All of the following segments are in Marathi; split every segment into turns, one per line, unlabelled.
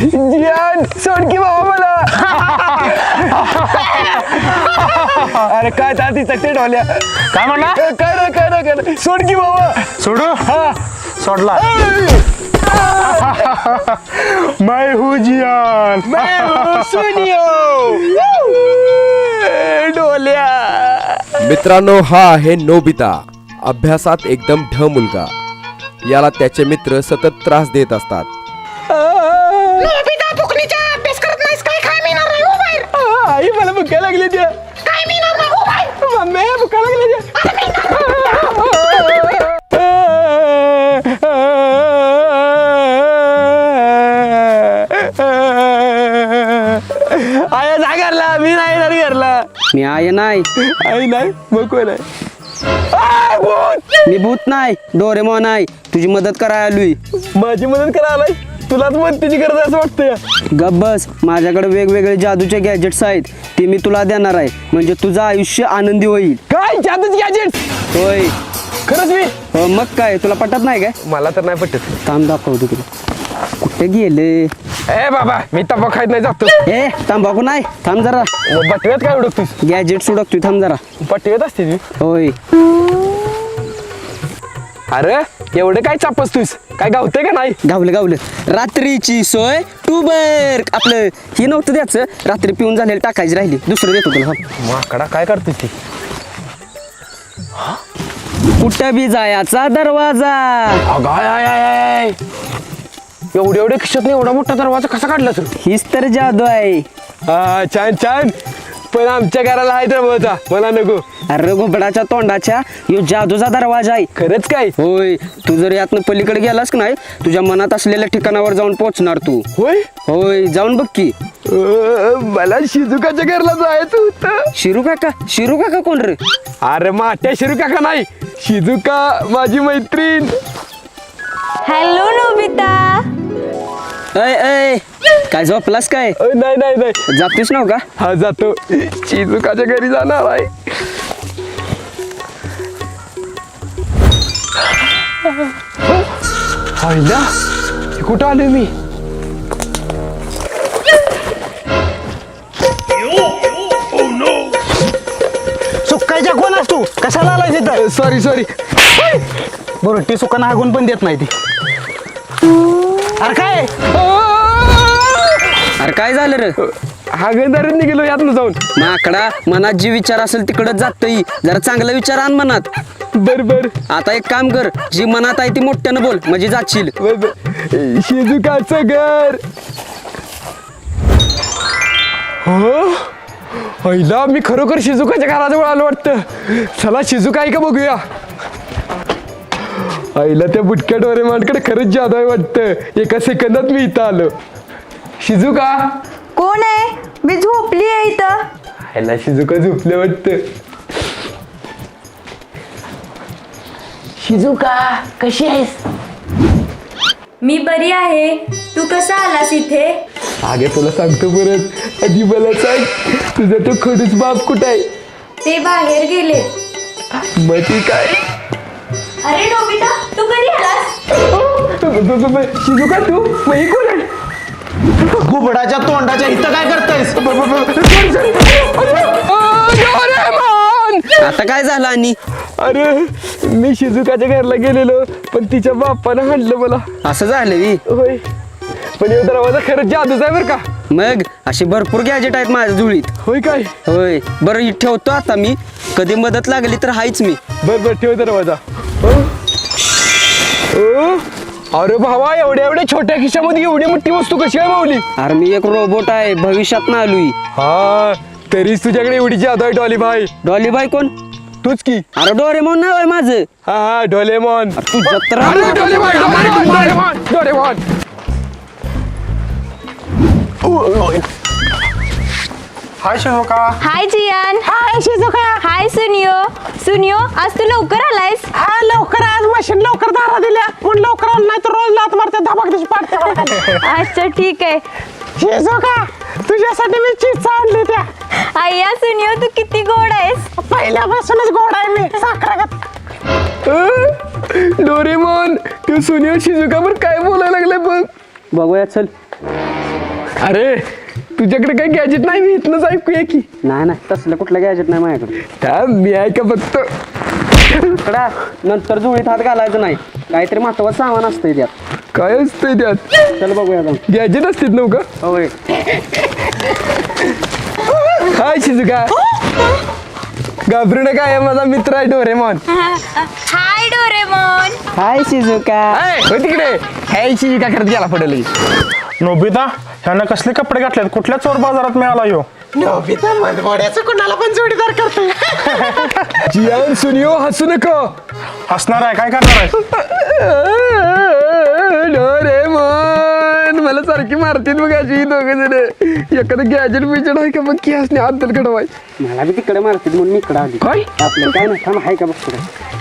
जियान सोड की बाबा मला. अरे काय ती चकते ढोल्या.
काय म्हणला?
काय सोड की बाबा.
सोडू?
हा
सोडला. मैं हूँ जियान.
मैं हूँ सुनियो. ढोल्या.
मित्रांनो, हा आहे नोबिता. अभ्यासात एकदम ढ मुलगा. याला त्याचे मित्र सतत त्रास देत असतात.
नोबिता फुकणीचा अभ्यास करत नाहीस काय? काय मिळणार नाही हो बाहेर.
आई मला भुका लागली त्या.
काय मिळणार नाही हो बाहेर.
मम्मी भुका लागली त्या. आया जा घरला. मी नाही येणार घरला.
मी आहे नाही.
आई नाही मग कोण आहे?
मी भूत नाही, डोरेमॉन आहे. तुझी मदत करायला आलोय.
माझी मदत करायला तुलाच मदतीची गरज आहे असं वाटतं.
गप बस. माझ्याकडे वेगवेगळे जादूचे गॅजेट्स आहेत, ते मी तुला देणार आहे. म्हणजे तुझं आयुष्य आनंदी होईल.
काय जादूच गॅजेट?
होय.
खरंच मी?
हो, मग काय तुला पटत नाही काय?
मला तर नाही पटत.
थांब दाखवतो तुला. कुठे गेले?
ए बाबा मी तंबाखू खायत नाही जातो.
ए तंबाखू नाही, थांब जरा.
बटव्यात काय उडकतोस?
गॅजेट सुडकतोय, थांब जरा.
पटव्यात असते ती.
होय.
अरे एवढं काय चापसतोस? काय गावतंय का नाही?
गावलं. रात्रीची सोय टूबर. आपलं हे नव्हतं द्यायचं, रात्री पिऊन झालेलं टाकायची राहिली. दुसरं देतो तुला.
माकडा काय करतोस ती?
कुठं बी जायचा दरवाजा.
अगाय एवढे खिशात नाही एवढा मोठा दरवाजा कसा काढला तू?
हीच तर जादू आहे.
हा छान. पण आमच्या घराला आहे दरवाजा, मला नको.
अरे घोबडाच्या तोंडाच्या यो जादूचा दरवाजा आहे.
खरंच काय?
होय. तू जर यातनं पलीकडे गेलास की नाही, तुझ्या मनात असलेल्या ठिकाणावर जाऊन पोहोचणार तू. होय, जाऊन बघ की.
मला शिजुकाच्या घरला जायचं होतं.
शिरू काका कोण रे?
अरे माट्या शिरू काका नाही, शिजुका माझी मैत्रीण.
Hello Nobita.
ऐ काय झोपलास काय?
नाही
जातोस नाव का?
हा जातो. शिजुकाच्या घरी जाणार आहे. कुठं आलोय मी?
सुकायच्या कोण असतो? कशाला आलाय तिथं?
सॉरी.
बरं ती सुकांना हागून पण देत नाही ती. अरे काय?
अरे काय झालं रे?
हागणदारीत निघेलो यातनं जाऊन.
माकडा, मनात जे विचार असेल तिकडच जातोय. जरा चांगला विचार आण मनात.
बर.
आता एक काम कर, जी मनात आहे ती मोठ्यानं बोल, म्हणजे जाशील.
शिजुकाचं घर. हो पहिला मी खरोखर शिजुकाच्या घराजवळ आलो वाटतं. चला शिजुका आहे का बघूया. आईला त्या बुटक्या डोरेमॉनकडे खरंच जादू आहे वाटतं. एका सेकंदात मी इथं आलो. शिजुका
कोण आहे? मी झोपली आहे इथं.
आईला शिजुका झोपले वाटतं.
शिजुका कशी आहेस?
मी बरी आहे. तू कसा आलास इथे?
आगे तुला सांगतो परत. आधी मला सांग, तुझा तो खडूस बाप कुठं आहे?
ते बाहेर गेले.
मग ती काय?
अरे नोबिता, तू कधी आलास?
शिजुका तू मग ही कोण आहे?
घुबडाच्या तोंडाच्या इथं काय करतायस?
आता काय झालं? आणि
अरे मी शिजुकाच्या घरला गेलेलो, पण तिच्या बाप्पानं हाणलं मला.
असं झालं बी?
होय, पण एवढा दरवाजा खरंच जादूच आहे बरं का.
मग अशी भरपूर गॅजेट आहेत माझ्या जुळीत.
होय काय?
होय. बरं ही ठेवतो आता मी, कधी मदत लागली तर हायच मी.
बर ठेव दरवाजा. अरे भावा, एवढ्या छोट्या खिशामध्ये एवढी मोठी वस्तू कशी आहे माऊली?
अरे मी एक रोबोट आहे, भविष्यात ना आलोय.
हा तरीच तुझ्याकडे एवढी जादू आहे. डॉली भाई.
डॉली बाई कोण?
तूच की.
अरे डोरेमॉन नाव आहे माझं.
हा डोलेमॉन.
तू जत्रा.
Doraemon.
Hi Shizuka.
Hi Gian.
Hi Shizuka.
Hi Suneo, आज तू लवकर आलायस?
हा लवकर आज मशीन लवकर दारा दिल्या. पण लवकर आलं नाही तर रोज लात मारते धबाक दिवशी पाडते.
अच्छा ठीक आहे.
शिजुका तुझ्यासाठी मी चीज आणली त्या.
आय्या सुनियो, तू किती गोड आहेस.
पहिल्यापासूनच गोड आहे मी, साखरागत.
डोरेमॉन तू सुनियो शिजुकावर काय बोलायला लागलाय बघ.
बघूया चल.
अरे तुझ्याकडे काही गॅजेट नाही मी इथनंच ऐकूया की
नाही नाही तसलं कुठलं गॅजेट नाही माझ्याकडे.
मी ऐका फक्त
कडा नंतर झोळीत हात घालायचं नाही, काहीतरी महत्वाचं सामान असतंय त्यात.
काय असतंय त्यात
चल बघूया जाऊन.
गॅजेट असतात नव्हतं
होय.
हाय शिजुका घाबरू नका हे माझा मित्र आहे Doraemon
hi Doraemon.
Hi Shizuka.
हो तिकडे हाय शिजुका करत गेला पडेल
नोबिता ह्यानं कसले कपडे घातलेत, कुठल्या चोर बाजारात मिळाला ह्यो?
नोबिता मनमोड्याचं कुणाला पण जोडीदार करतोय.
जियान सुनियो हसू नको
हसणार आहे, काय करणार आहे?
डोरेमॉन मला सारखी मारतील बघ अशी दोघं जण एखादं गॅजेट बिजेट आहे का बघ की हसणे आदल कडवाय
मला बी तिकडे मारतील म्हणून मी इकडे आली.
काय
आपलं काय नाही, थांब आहे का बघतो.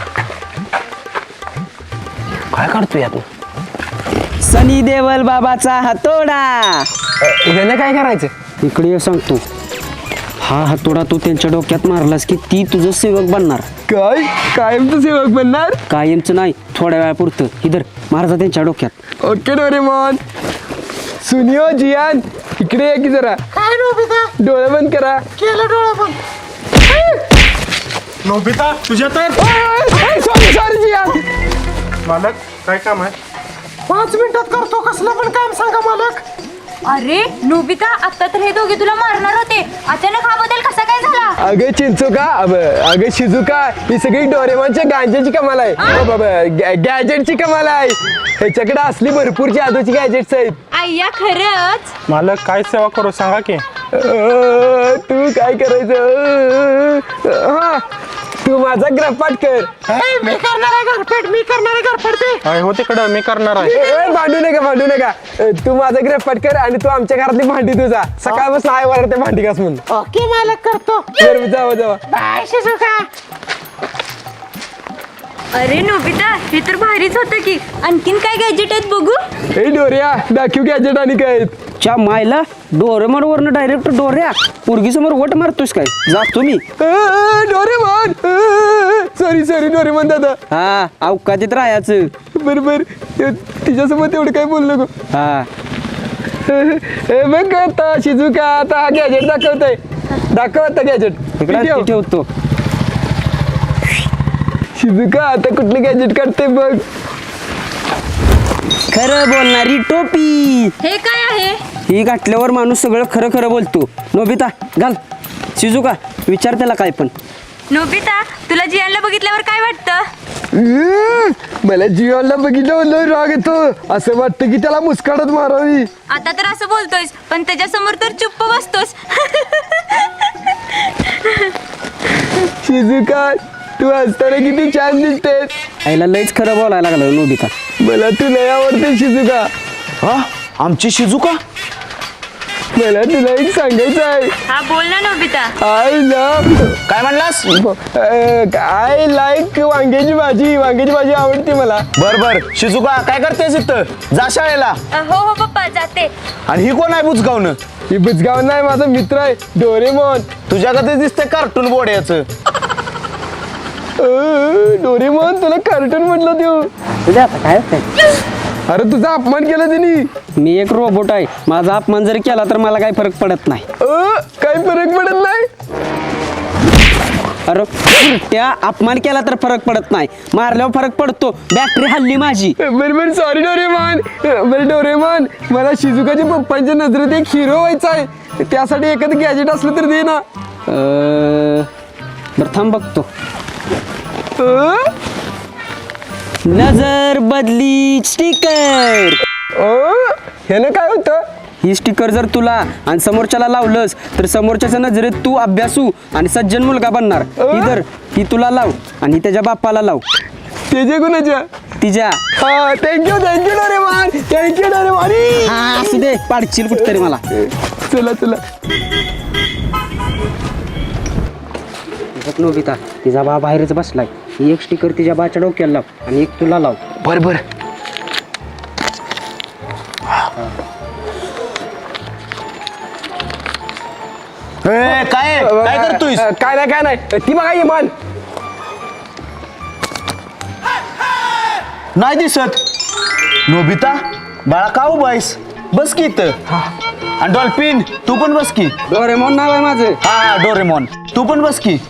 काय करतोय तू
सनी देवल बाबाचा हातोडा.
यानं काय करायचं
इकडे ये सांगतो. हा हातोडा तू त्यांच्या डोक्यात मारलास की ती तुझं सेवक बनणार.
काय कायमचं सेवक बनणार
कायमचं नाही, थोड्या वेळापुरतं. इधर मारता त्यांच्या डोक्यात.
ओके डोरेमॉन सुनियो जियान इकडे या की जरा
काय नोबिता
डोळे बंद करा
केलं डोळा पण.
नोबिता तुझ्या तर
सॉरी सॉरी जियान
मालक काय काम आहे?
5 मिनिटात करतो कसलं पण काम सांगा मालक.
अरे नोबिता आता तर हे दोघे तुला मारणार होते, अचानक हा बदल कसा काय झाला?
अगं चिंचुका अगं शिजुका ही सगळी डोरेमॉनच्या गांजेची कमाल आहे गॅजेटची कमाल आहे ह्याच्याकडे असली भरपूर जादूची गॅजेट्स आहेत
आय्या खरंच.
मालक काय सेवा करू सांगा की.
तू काय करायचं हा तू माझा ग्रहपाठ कर
मी करणार आहे घरपेट, मी करणार आहे घरपेट ते.
आहे हो तिकडं, मी करणार आहे.
भांडू नका तू माझा ग्रहपाठ कर आणि तू आमच्या घरातली भांडी तुझा सकाळपासून आहे वर ते भांडी घास म्हणून
ओके मालक करतो.
बरं जावा
बाय शिजुका.
अरे नोबिता हे तर भारीच होतं की, आणखीन काय गॅजेट आहेत बघू.
ए डोऱ्या दाखव गॅजेट आणि काय आहेत.
च्या मायला डोरेमॉन वरनं डायरेक्ट डोऱ्या पोरगी समोर वट मारतोस काय? जातो मी.
डोरेमॉन सॉरी डोरेमॉन दादा
हा अवकाशात राहायचं.
बरोबर तिच्यासोबत एवढं काय बोलू नको
हा
हे बघ आता शिजुका आता हा गॅजेट दाखव आता गॅजेट
इकडे ठेवतो.
शिजुका आता कुठलं गॅजेट काढते बघ
खरं बोलणारी टोपी.
हे काय आहे?
ही घातल्यावर माणूस सगळं खरं खरं बोलतो. नोबिता घाल. शिजुका विचार त्याला काय पण.
नोबिता तुला जियानला बघितल्यावर काय वाटतं?
मला जीवाला बघितलं राग येतो असं वाटतं की त्याला मुस्काडत मारावी.
आता तर असं बोलतोयस पण त्याच्या समोर तर चुप्प बसतोस.
शिजुका तू असताना किती छान दिसतेस.
आईला लयच खरं बोलायला लागलं नोबिता.
मला तू लय आवडते शिजुका.
हा आमची शिजुका.
मला तुला एक सांगायचं आहे.
हा बोल ना नोबिता.
आय लव्ह
काय म्हणलास?
आय लाईक वांग्याची भाजी आवडते मला.
बर शिजुका काय करतेस इथं? जा शाळेला.
हो पप्पा जाते.
आणि ही कोण आहे बुजगावनं?
ही बुजगाव नाही माझा मित्र आहे डोरेमॉन.
तुझ्याकडे दिसतंय कार्टून बोर्ड्याचं.
डोरेमॉन तुला कार्टून म्हटलं देऊ.
तुझ्या आता काय होतंय?
अरे तुझा अपमान केला त्यांनी.
मी एक रोबोट आहे, माझा अपमान जरी केला तर मला काही फरक पडत नाही.
काही फरक पडत नाही.
अरे त्या अपमान केला तर फरक पडत नाही, मारल्यावर फरक पडतो. बॅटरी हल्ली माझी.
बरोबर सॉरी डोरेमॉन. बरं डोरेमॉन मला शिजुकाच्या पप्पांच्या नजरेत एक हिरो व्हायचा आहे, त्यासाठी एखादं गॅजेट असलं तर दे ना.
बरं थांब बघतो. नजर बदली स्टिकर.
ह्यानं काय होतं?
ही स्टिकर जर तुला आणि समोरच्याला लावलंस तर समोरच्याच्या नजरेत तू अभ्यासू आणि सज्जन मुलगा बनणार. इधर ही तुला लाव आणि त्याच्या बाप्पाला लाव.
त्याच्या गुणाच्या
तिच्या.
हा थँक्यू डोरेमॉन.
हा असू दे, पाडशील कुठतरी मला.
चला
नोबिता तिचा बा बाहेरच बसलाय. ही एक स्टिकर तिच्या बाच्या डोक्याला लाव आणि एक तुला लाव.
बर काय करतोय?
काय नाही ती बघा इमान.
नाही दिसत. नोबिता बाळा का उभायस? बस की इथं. आणि डॉल्फिन तू पण बस की.
डोरेमॉन नाव आहे माझं.
हा डोरेमॉन तू पण बस की.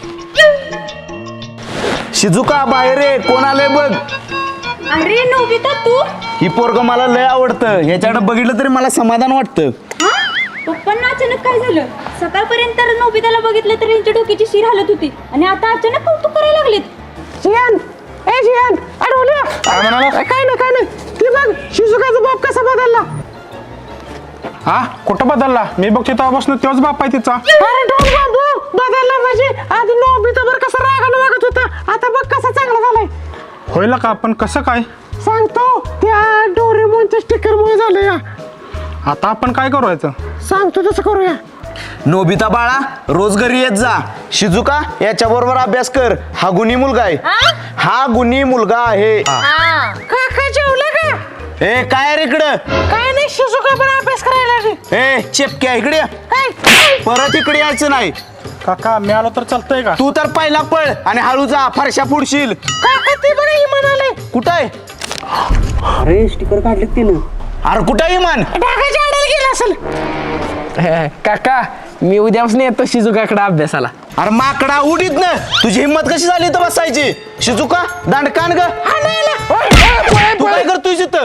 शिजुका बाहेर ये, कोण आलंय बघ.
अरे नोबिता तू
ही पोरग मला लय आवडतं, ह्याच्याकडे बघितलं तरी मला समाधान वाटतं.
हा पप्पांना अचानक काय झालं? सकाळपर्यंत तर नोबिताला बघितलं तर यांच्या डोक्याची शिर हालत होती आणि आता अचानक कौतुक करायला लागलेत.
जियान ए जियान अडवल्या.
काय म्हणाला?
काय नाही ती बघ शिजुकाचा बाप कसा बदलला.
हा कुठं बदलला? मी बघतो तेव्हापासून तोच बाप आहे तिचा.
अरे डोल बाबू बदलला म्हणजे आधी नोबिता बरं कसा रागानं वागत होता, आता बघ कसा चांगला झालाय.
होईल का? पण कसं काय?
सांगतो त्या डोरेमोनच्या स्टिकर मुळे झालं या.
आता आपण काय करायचं?
सांगतो तसं करूया.
नोबिता बाळा रोज घरी येत जा. शिजुका याच्या बरोबर अभ्यास कर, हा गुणी मुलगा आहे. हा गुणी मुलगा आहे.
काका जेवलं का?
ए काय रे इकडं?
काय नाही शिजुका पण अभ्यास करायला लागली.
ए चेपक्या इकडे ये.
काय
परत इकडे यायचं नाही.
काका मी आलो तर चालतंय का?
तू तर पहिला पळ आणि हळू जा, फरशा पुढशील.
काका ते बरं ही म्हणाले
कुठं आहे?
अरे स्टिकर काढलेत तिनं.
अरे कुठं आहे इमान?
ढाकाच्या आडायला गेला असेल.
काका मी उद्यापासून येतो शिजुकाकडे अभ्यासाला.
अरे माकडा उडीत ना, तुझी हिंमत कशी झाली तर बसायची? शिजुका दांडकान ग. तू काय करतोय तिथं?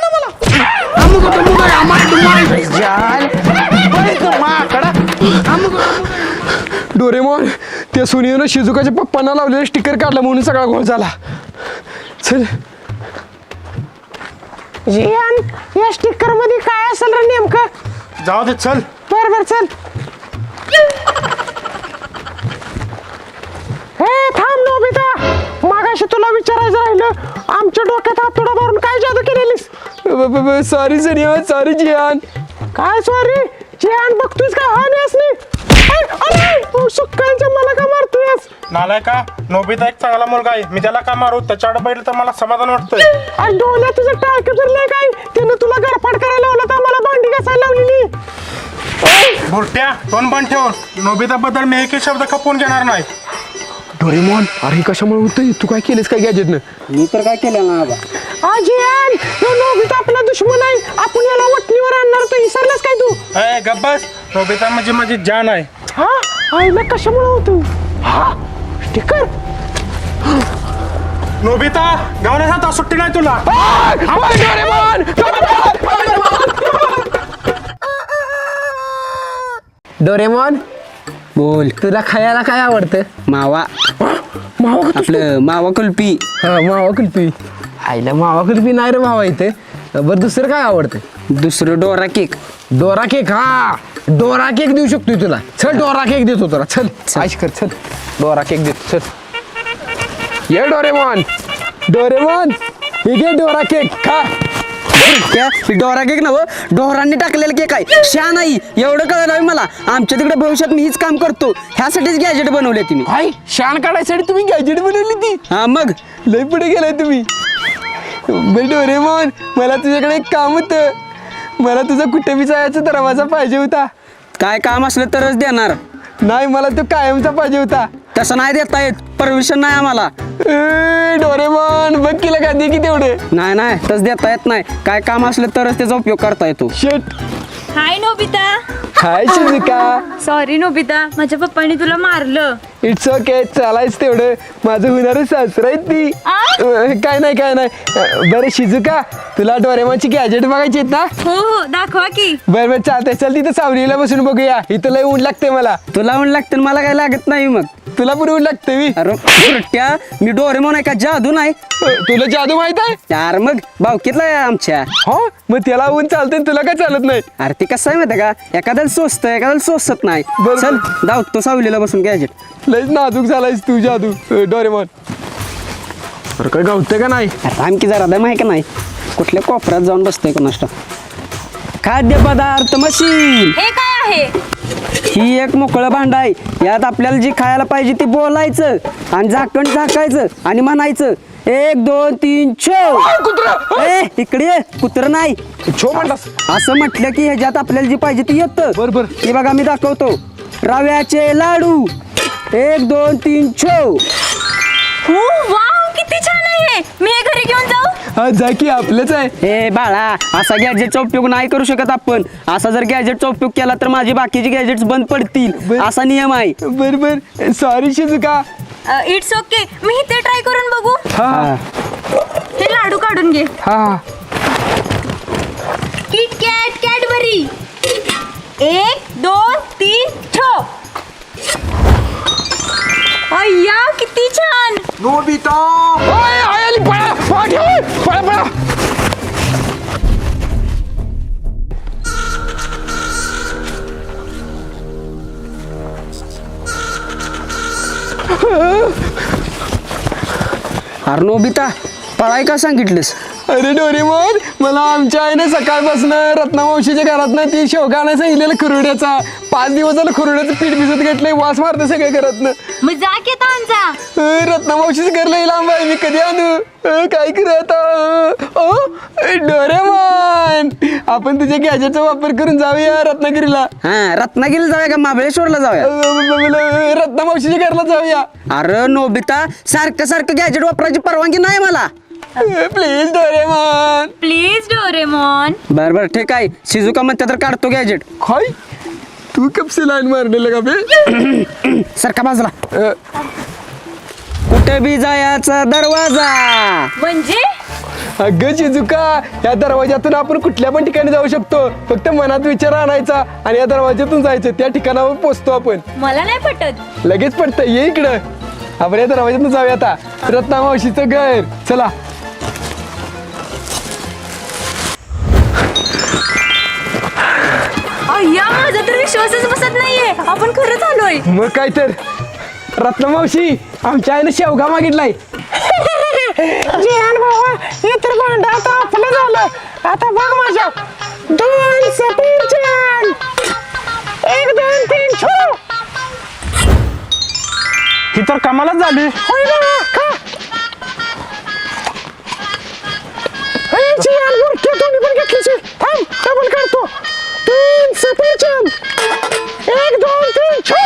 माकडा.
डोरेमॉन त्या सुनीनं शिजुकाच्या पप्पांना लावलेलं स्टिकर काढलं म्हणून सगळा घोळ झाला. चल
जियान या स्टिकर मध्ये काय असेल रे नेमकं?
जाऊ दे चल.
बर चल. हे थांब नोबिता, मागाशी तुला विचारायचं राहिलं, आमच्या डोक्यात हातोडा मारून काय जादू केलेलीस?
सॉरी सनिया, सॉरी जियान.
काय सॉरी जियान, बघतोयस का हा नेस नाही सुक्कांच्या मला का मारतोयस?
नालाय का? नोबिता एक चांगला मुलगा आहे, मी त्याला का मारू? त्याच्याकडे बघितलं तर मला समाधान वाटतंय.
आणि डोळ्यात तुझं टाळकं फिरलंय काय? त्यानं तुला गरफाट करायला लावलं तर मला भांडी घासायला लावलेली.
बुरट्या तोंड बंद ठेव. नोबिता बद्दल मी एकही शब्द खपवून घेणार नाही.
डोरेमॉन अरे कशामुळे होतंय? तू काय केलेस काय गॅजेटनं?
मी तर काय केलं ना बाबा.
जियान तो नोबिता आपला दुश्मन आहे, आपण याला वटणीवर आणणार, तो विसरलास काय तू?
ए गब्बस, नोबिता म्हणजे माझी जान आहे.
हा आईला कशामुळे होतो? हा स्टिकर.
नोबिता गावण्याचा आता सुट्टी नाही तुला.
डोरेमॉन
बोल.
तुला खायला काय आवडतं?
मावा. आपलं मावा कुल्फी.
हा मावा कुल्फी. आईला मावा कुल्फी नाही रे मावा इथे. बरं दुसरं काय आवडतं?
दुसरं डोरा केक.
Dora cake. हा डोरा केक देऊ शकतोय तुला. चल डोरा केक देतो तुला. चल आयश कर. चल डोरा केक देतो. चल ये डोरेमॉन. डोरेमॉन हे घे डोरा केक खा.
डोरा केक नव डोरांनी टाकलेला केक आहे. शा नाही एवढं कळलं नाही मला. आमच्या तिकडे भविष्यात मी हीच काम करतो. ह्यासाठीच गॅजेट बनवले तुम्ही.
हाय शान काढायसाठी तुम्ही गॅजेट बनवली ती?
हा मग
लय पुढे गेलाय तुम्ही. बरं डोरेमॉन मला तुझ्याकडे एक काम होतं. मला तुझा कुठे बी जायचा दरवाजा पाहिजे होता.
काय काम असलं तरच देणार.
नाही मला तो कायमचा पाहिजे होता.
तसं नाही देता येत. परमिशन नाही आम्हाला.
डोरेमॉन बघ केलं का दे की तेवढे.
नाही तसं देता येत नाही. काय काम असलं तरच त्याचा उपयोग करता येतो.
शेट.
Hi Nobita.
Hi Shizuka.
Sorry Nobita, माझ्या पप्पांनी तुला मारलं.
इट्स ओके चालायच तेवढं. माझं होणारं सासरा आहे ती. काय नाही बरं शिजुका तुला डोरेमॉनची गॅजेट बघायची आहेत ना?
हो दाखवा की.
बरं चालतंय. चल तिथं सावलीला बसून बघूया. इथं लय ऊन लागते मला.
तुला ऊन लागतं मला काय लागत नाही. मग
तुला पण ऊन लागते मी.
अरे बुरट्या, मी डोरेमॉन आहे का जादू नाही?
तुला जादू माहित आहे?
यार मग भावकीतला आहे आमच्या.
हो मग त्याला ऊन चालतंय तुला काय चालत नाही?
अरे ते कसं आहे माहिती का, एखाद्याला सोचतं एखाद्याला सोचत नाही.
बरं.
चल धावतो सावलीला बसून गॅजेट.
लयच नाजूक झालायस तू जादू डोरेमॉन. अरे काय गावते का नाही?
आमकी जरा दम आहे का नाही? कुठल्या कोपऱ्यात जाऊन बसतोय कोणाष्ट. खाद्यपदार्थ मशीन.
हे काय आहे?
ही एक मोकळं भांड आहे. यात आपल्याला जी खायला पाहिजे ते बोलायचं आणि झाकण झाकायचं आणि म्हणायचं 1 2 3 छो. ए इकडे ये. कुत्र नाही
छो म्हणलास?
असं म्हटलं की ह्याच्यात आपल्याला जी पाहिजे ती येतं.
बरोबर.
हे बघा मी दाखवतो. रव्याचे लाडू 1 2 3 छो.
हो वाव किती छान आहे. मी हे घरी घेऊन जाऊ?
हा जा की आपलंच आहे.
ए बाळा, असा गॅजेटचा उपयोग नाही करू शकत आपण. असा जर गॅजेटचा उपयोग केला तर माझे बाकीचे गॅजेट्स बंद पडतील, असा नियम आहे.
बर सॉरी शिजुका.
It's okay. मी ते ट्राय करून बघू.
हा
हे लाडू काढून घे.
हा
किट कॅट कॅडबरी. 1 2 3 ठो. अय्या किती छान.
नोबिता
ओय, आली पळा पळा पळा.
अरे नोबिता, पळाय का सांगितलंस?
अरे डोरेमोन, मला आमच्या आईने सकाळपासून रत्नामावशीच्या घरातनं ती शेवगा आणायला सांगितलेलं खुरुड्याचा. 5 दिवस झालं खुरुड्याचं पीठ भिजत घेतलंय, वास मारतं सगळ्या घरातनं.
मग जा की आता आमचा.
रत्नामावशीचं घर लई लांब आहे, मी कधी आणू? काय करू आता? डोरेमोन, आपण तुझ्या गॅजेटचा वापर करून जाऊया रत्नागिरीला.
हा, रत्नागिरीला जाऊया का महाबळेश्वरला जाऊया?
रत्नामावशीच्या घरला जाऊया.
अरे नोबिता, सारखं सारखं गॅजेट वापरायची परवानगी नाही मला.
Please Doraemon.
Please Doraemon.
बर ठीक आहे, शिजुका म्हणते तर काढतो गॅजेट.
काय तू कपसे लाईन मारलेलं का बे?
सारखा बाजूला. कुठे बी जायचा दरवाजा.
म्हणजे
अगं चिजुका, या दरवाज्यातून आपण कुठल्या पण ठिकाणी जाऊ शकतो. फक्त मनात विचार आणायचा आणि या दरवाज्यातून जायचं, त्या ठिकाणावर पोहोचतो आपण.
मला नाही पटत.
लगेच पडतं, ये इकडं. आपण या दरवाज्यातून जाऊया आता. रत्नामावशीचं घर, चला.
अय्या माझा तर विश्वासच बसत नाहीये. आपण खरंच आलोय.
मग काय तर. रत्नामावशी, आमच्या आईने शेवगा मागितलाय.
जिहान बाबा, हे तर भांडं आता आपलं झालं. आता बघ माझ्या 2 सफरचंद. 1 2 3 छो.
ही तर कमालच झाली.
होय बाबा, खा. हे जिहान बुरके तुम्ही पण घेतलीच. थांब, डबल काढतो. 3 सफरचंद. 1 2 3 छो.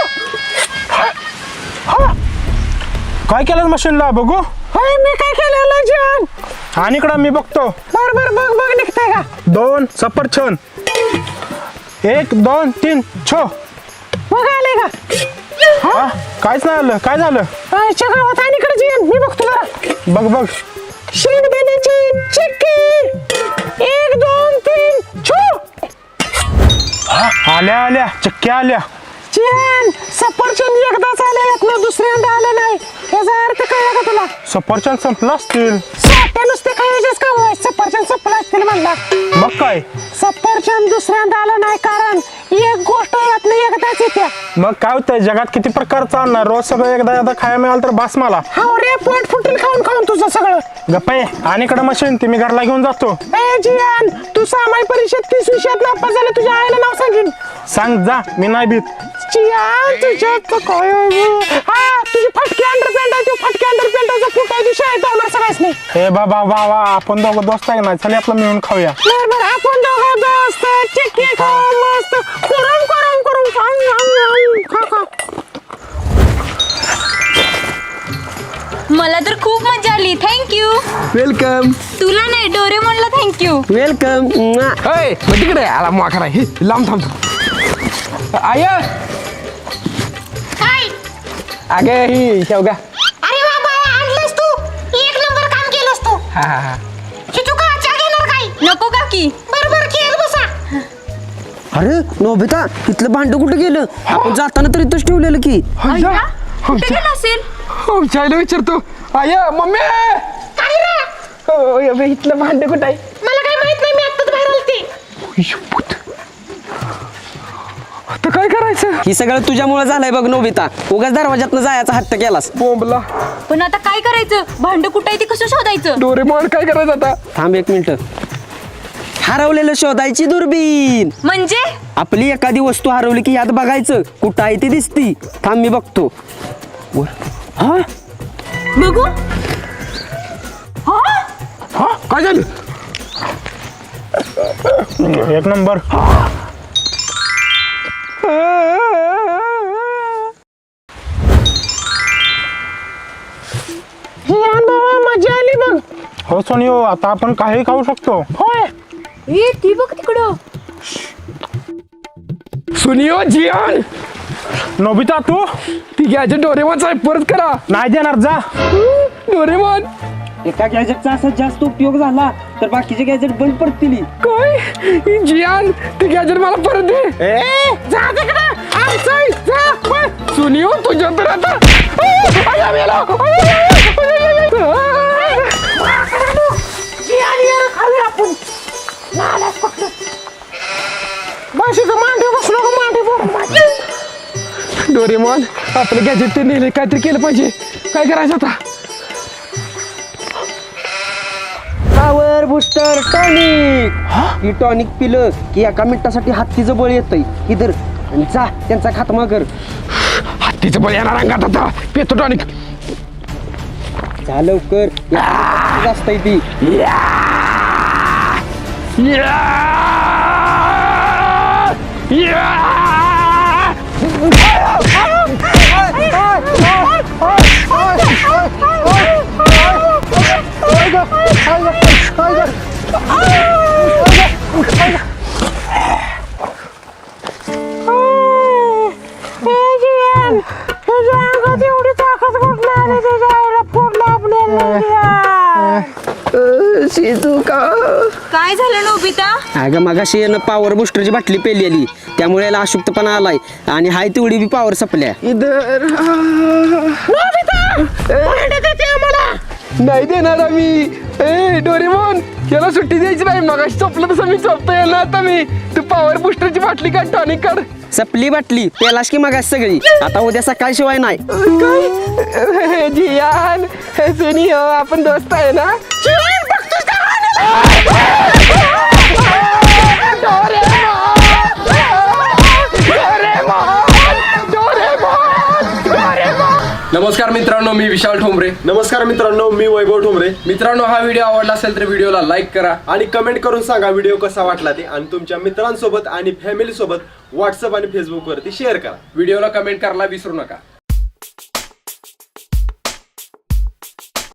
काय केलं मशीनला बघू.
होय, मी काय केलेलं जिहान?
आणि इकडं मी बघतो.
बरोबर, बघ निघतंय का?
2 सफरचंद. 1 2 3 छो.
बघ आले का?
हा, काहीच नाही आलं. काय झालं?
गावात आणि इकडे जिहान, मी बघतो जरा.
बघ
शेंगदाण्याची चिक्की. 1 2 3 छो.
आल्या चक्क्या आल्या.
जिहान, सफरचंद एकदाच आले ना, दुसऱ्यांदा आलं नाही. याचा अर्थ कळला का तुला?
सफरचंद संपला असतील.
साठ्या नुसते खायचेच काम आहे. सफरचंद संपला असतील म्हणला.
मग काय?
सफरचंद दुसऱ्यांदा आलं नाही कारण एक गोष्ट यातनं एकदाच येत्या.
मग काय होतंय, जगात किती प्रकारचं आणणार, रोज सगळं एकदा खायला मिळालं तर बास मला.
हाव रे, पोट फुटेल खाऊन खाऊन तुझं सगळं.
गप्पा आणि इकडं मशीन ती मी घरला घेऊन जातो.
ए जिहान, तू सामाई परीक्षेत 30 विषयात नापास झाले, तुझ्या आईला नाव सांगेन.
सांग जा, मी नाही भीत.
जिहान, तुझ्यात काय हा, तुझी फटकी अंडरपॅन्ट आहे, तू फटकी अंडरपॅन्टाचा फुट आहे, तू शाळेत जाणार सगळ्याच नाही.
हे बाबा आपण दोघं दोस्त आहे ना, चल आपलं मिळून खाऊया.
बरं, आपण दोघं दोस्त चिक्की खाऊ मस्त. करून खा.
मला तर खूप मजा आली. थँक्यू.
वेलकम.
तुला नाही, डोरेमॉनला थँक्यू.
वेलकम.
होय, मग तिकडे आला माखरा. हे लांब थांब. आय अगे ही शेवगा.
अरे बाबा, आणलंस तू. 1 नंबर काम केलंस तू.
हा.
तू चहा घेणार काय?
नको काकी.
बरोबर, खेळ बसा.
अरे नोबिता, इथलं भांड कुठं गेलं? आपण जाताना तर इथंच ठेवलेलं की.
अय्या, कुठे गेला असेल?
आमच्या आईला विचारतो. आय मम्मी, इथलं भांडे कुठं आहे?
मला काही माहित नाही, मी आत्ताच बाहेर आलते.
आता काय करायचं?
ही सगळं तुझ्यामुळे झालंय बघ नोबिता. उगाच दरवाजातनं जायचा हट्ट केलास.
बोंबला.
पण आता काय करायचं? भांड कुठं आहे ते कसं शोधायचं?
डोरेमॉन काय करायचं आता?
थांब 1 मिनिट. हरवलेलं शोधायची दुर्बीण.
म्हणजे
आपली एखादी वस्तू हरवली की यात बघायचं कुठं आहे ती दिसती. थांब मी बघतो. हा,
बघू.
हा काय झालं?
1 नंबर.
जिहान बाबा, मजा आली बघ.
हो सोनियो, आता आपण काही खाऊ शकतो.
होय
ए ती बघ तिकडं.
सुनियो जियान
नोबिता तू
ती गॅजेट डोरेमॉनचा परत करा.
नाही देणार, जा.
डोरेमॉन
एका गॅजेटचा असा जास्त उपयोग झाला तर बाकीचे गॅजेट बंद पडतील.
काय जियान ती गॅजेट मला परत दे.
जा तिकडे आमचं आहे, जा पळ.
सुनियो तुझ्या तर आता
जियान ये खाली आपण नालाच पकडलं. बस इथं मांडी बसलो का मांडी बोल.
डोरेमॉन आपलं गॅजेट ते नेले, काहीतरी केलं पाहिजे. काय करायचं आता?
Power booster tonic. ही टॉनिक पिलं की एका मिनिटासाठी हत्तीचं बळ येतंय. इधर आणि जा त्यांचा खात्मा कर.
हत्तीचं बळ येणार अंगात आता. पेतो टॉनिक.
जा लवकर, असतंय ती.
एवढी ताकद कुठली आली तुझ्या आईला फोडलं आपल्याला.
शिजुका
काय झालं नोबिता?
अगं मगाशी यानं पॉवर बुस्टरची बाटली पेलेली त्यामुळे याला अशुद्धपणा आलाय आणि हाय तेवढी बी पॉवर संपल्या.
इधर नाही देणार आम्ही. ए डोरेमॉन याला सुट्टी द्यायची नाही. मगाशी चोपलं तसं मी चोपतो याला. आता मी तू पॉवर बुस्टरची बाटली काढ, टॉनिक काढ.
सपली बाटली पेलास की मगाशी सगळी. आता उद्या सकाळ शिवाय नाही.
काय जियान सुनियो आपण दोस्त आहे ना.
नमस्कार मित्रांनो, मी विशाल ठोंबरे.
नमस्कार मित्रांनो, मी वैभव ठोंबरे.
मित्रांनो, हा व्हिडिओ आवडला असेल तर व्हिडिओला लाईक करा
आणि कमेंट करून सांगा व्हिडिओ कसा वाटला ते, आणि तुमच्या मित्रांसोबत आणि फॅमिली सोबत व्हॉट्सअप आणि फेसबुक वरती शेअर करा.
व्हिडिओला कमेंट करायला विसरू नका.